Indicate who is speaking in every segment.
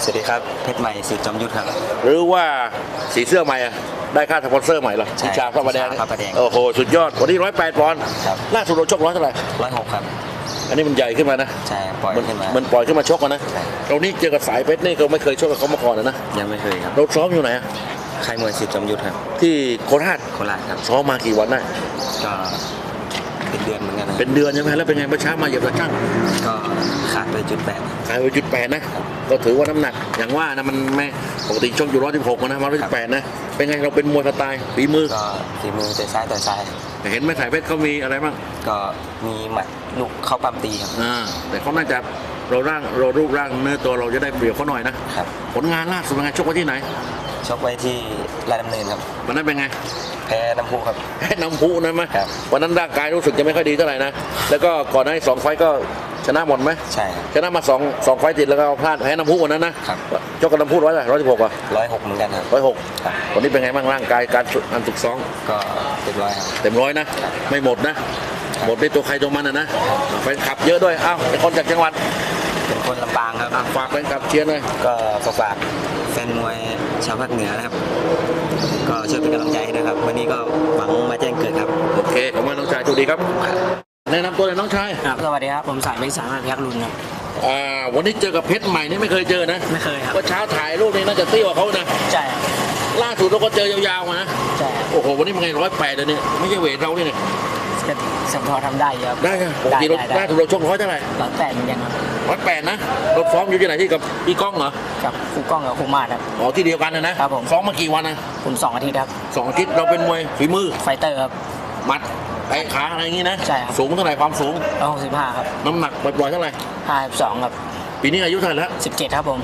Speaker 1: สวัสดีครับเพชรใหม่สิทธิ์จอมยุทธครับ
Speaker 2: หรือว่าสีเสื้อใหม่อะได้ค่าสปอนเซอร์ใหม่เหรอ
Speaker 1: ใช่
Speaker 2: วิชาพระประแดง
Speaker 1: วิชาพระประแดง
Speaker 2: โอ้โหสุดยอดวันนี้108 ปอนด์
Speaker 1: ครับ
Speaker 2: ล่าสุดเราชกร้อยเท่าไหร่
Speaker 1: 106ครับ
Speaker 2: อันนี้มันใหญ่ขึ้นมานะ
Speaker 1: ใช่ปล่อยขึ้นมา
Speaker 2: มันปล่อยขึ้นมาชกกันนะ
Speaker 1: ใช่
Speaker 2: เรานี่เจอกับสายเพชรนี่ก็ไม่เคยชกกับเขามาก่อนนะ
Speaker 1: ยังไม่เคยครับ
Speaker 2: เราซ้อมอยู่ไหนอะ
Speaker 1: ค่ายมวยสิทธิ์จอมยุทธครับ
Speaker 2: ที่โคราช
Speaker 1: โคราชครับ
Speaker 2: ซ้อมมากี่วันได้
Speaker 1: ก็เป็นเดือนเหมือนกันนะ
Speaker 2: เป็นเดือนใช่ไหมแล้วเป็นไงเมื่อเช้ามาเหยียบตะช่าง
Speaker 1: ก็ขาดไป1.8
Speaker 2: ขายไป1.8นะก็ถือว่าน้ำหนักอย่างว่านะมันไม่ปกติชกอยู่116นะมา118นะเป็นไงเราเป็นมวยสไตล์ฝีมือ
Speaker 1: ก็ฝีมือแต่ซ้ายต่อยซ้าย
Speaker 2: เห็นไหมสายเพชรเขามีอะไรบ้าง
Speaker 1: ก็มีหมัดลูกเข้าปั้มตีครับ
Speaker 2: แต่เขาน่าจะเรารูปร่างเนื้อตัวเราจะได้เปรียบเขาหน่อยนะครับ ผลงานล่าสุดเป็นไงชกไว้ที่ไหน
Speaker 1: ชกไว้ที่ราชดำเนินครับ
Speaker 2: วันนั้นเป็นไง
Speaker 1: แพ้น้ำพุครับ
Speaker 2: แพ้น้ำพุนะมั้ย
Speaker 1: ครับ
Speaker 2: วันนั้นร่างกายรู้สึกจะไม่ค่อยดีเท่าไหร่นะแล้วก็ก่อนหน้านี้2 ไฟต์ก็ชนะหมดไหม
Speaker 1: ใช่ครับ
Speaker 2: ชนะมา2 ไฟต์ติดแล้วก็พลาดแพ้น้ำพุวันนั้นนะครับ ชกกับน้ำพุ116อ่ะ
Speaker 1: 106เหมือนกันครับ
Speaker 2: 106
Speaker 1: ครับ
Speaker 2: วันนี้เป็นไงบ้างร่างกายการฝึกซ้อม
Speaker 1: ก็เต็มร้อยครับ
Speaker 2: เต็มร้อยนะไม่หมดนะหมดในตัวใครตัวมันนะแฟนคลับเยอะด้วยอ้าวเป็นคนจากจังหวัด
Speaker 1: เป็นคนลำปางครับ
Speaker 2: ฝากแฟนคลับเชียร์หน่อย
Speaker 1: ก็ฝากแฟนมวยชาวภาคเหนือนะครับ ก็ช่วยเป็นกำลังใจให้นะครับ วันนี้ก็หวังมาแจ้งเกิดครับ
Speaker 2: โอเคขอบคุณน้องชายสวัสดีครับแนะนำตัวเลยน้องชาย
Speaker 3: ครับสวัสดีครับผมสายเป็นสามารถยักษ์รุนครับ
Speaker 2: วันนี้เจอกับเพชรใหม่นี่ไม่เคยเจอนะ
Speaker 3: ไม่เคยครับ
Speaker 2: ว่าเช้าถ่ายรูปนี้น่าจะเตี้ยกว่าเขานะ
Speaker 3: ใช่ครับ
Speaker 2: ล่าสุดเราก็เจอยาวๆมานะ
Speaker 3: ใช่ครับ
Speaker 2: โอ้โหวันนี้มันไง108เลยเนี่ยไม่ใช่เวทเราเนี่ย
Speaker 3: ก็สัมพอทำได้เยอะ
Speaker 2: ได้ไงปกติเราล่าสุดเราชก100เท่าไหร่
Speaker 3: 108เหมือนกันครับ
Speaker 2: 108นะเราซ้อมอยู่ที่ไหนที่กับพี่ก้องเหรอ
Speaker 3: กับครูก้องกับครูมาดครับ
Speaker 2: อ๋อที่เดียวกันนะครับ
Speaker 3: ผม
Speaker 2: ซ้อมมากี่วันนะ
Speaker 3: ผม2 อาทิตย์ครับ
Speaker 2: 2 อาทิตย์เราเป็นมวยฝีมือ
Speaker 3: ไฟเตอร์ครับ
Speaker 2: หมัดไอ้ขาอะไรอย่างงี้นะ
Speaker 3: ใช่ครับ
Speaker 2: สูงเท่าไหร่ความสูง
Speaker 3: 165ครับ
Speaker 2: น้ำหนักปล่อยๆเท่าไหร่
Speaker 3: 52ครับ
Speaker 2: ปีนี้อายุเท่าไหร่แล้ว
Speaker 3: 17ครับผม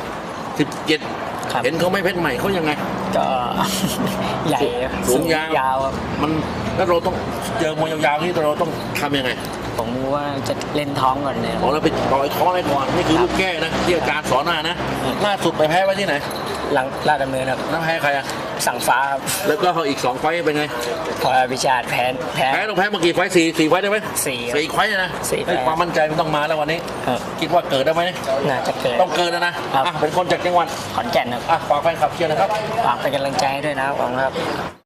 Speaker 2: 17
Speaker 3: ครับ
Speaker 2: เห็นเขาไม่เพชรใหม่เขายังไง
Speaker 3: ก็ ใหญ่ครับ
Speaker 2: สูงยาว
Speaker 3: ยาวครับ
Speaker 2: มันแล้วเราต้องเจอมวยยาวๆนี่เราต้องทำยังไง
Speaker 3: ผมว่าจะเล่นท้องก่อนเลยค
Speaker 2: อ๋อ
Speaker 3: รับ
Speaker 2: เราไปต่อยท้องอะไรก่อนนี่คือลูกแก้นะที่อาจารย์สอนมานะล่าสุดไปแพ้ไว้ที่ไหน
Speaker 3: หลังลาดดำเนินครับ
Speaker 2: น้ำแพ้ใครอะ
Speaker 3: สั่งฟ้าครับ
Speaker 2: แล้วก็อีก2 ไฟต์เป็นไง
Speaker 3: พอวิชาแพ้
Speaker 2: แพ้ต้องแพ้มากี่ไฟต์4 ไฟต์ได้ไหม
Speaker 3: 4ครับ
Speaker 2: 4 ไฟต์นะ
Speaker 3: 4
Speaker 2: เฮ้ยความมั่นใจมันต้องมาแล้ววันนี้
Speaker 3: ครับ
Speaker 2: คิดว่าเกิดได้ไหม
Speaker 3: น่าจะเกิด
Speaker 2: ต้องเกินนะครับ อ่ะเป็นคนจากจังหวัด
Speaker 3: ขอนแก่นครับ
Speaker 2: อ่ะฝากแฟนคลับเชียร์นะครับ
Speaker 3: ฝากเป็นกำลังใจให้ด้วยนะครับหวังครับ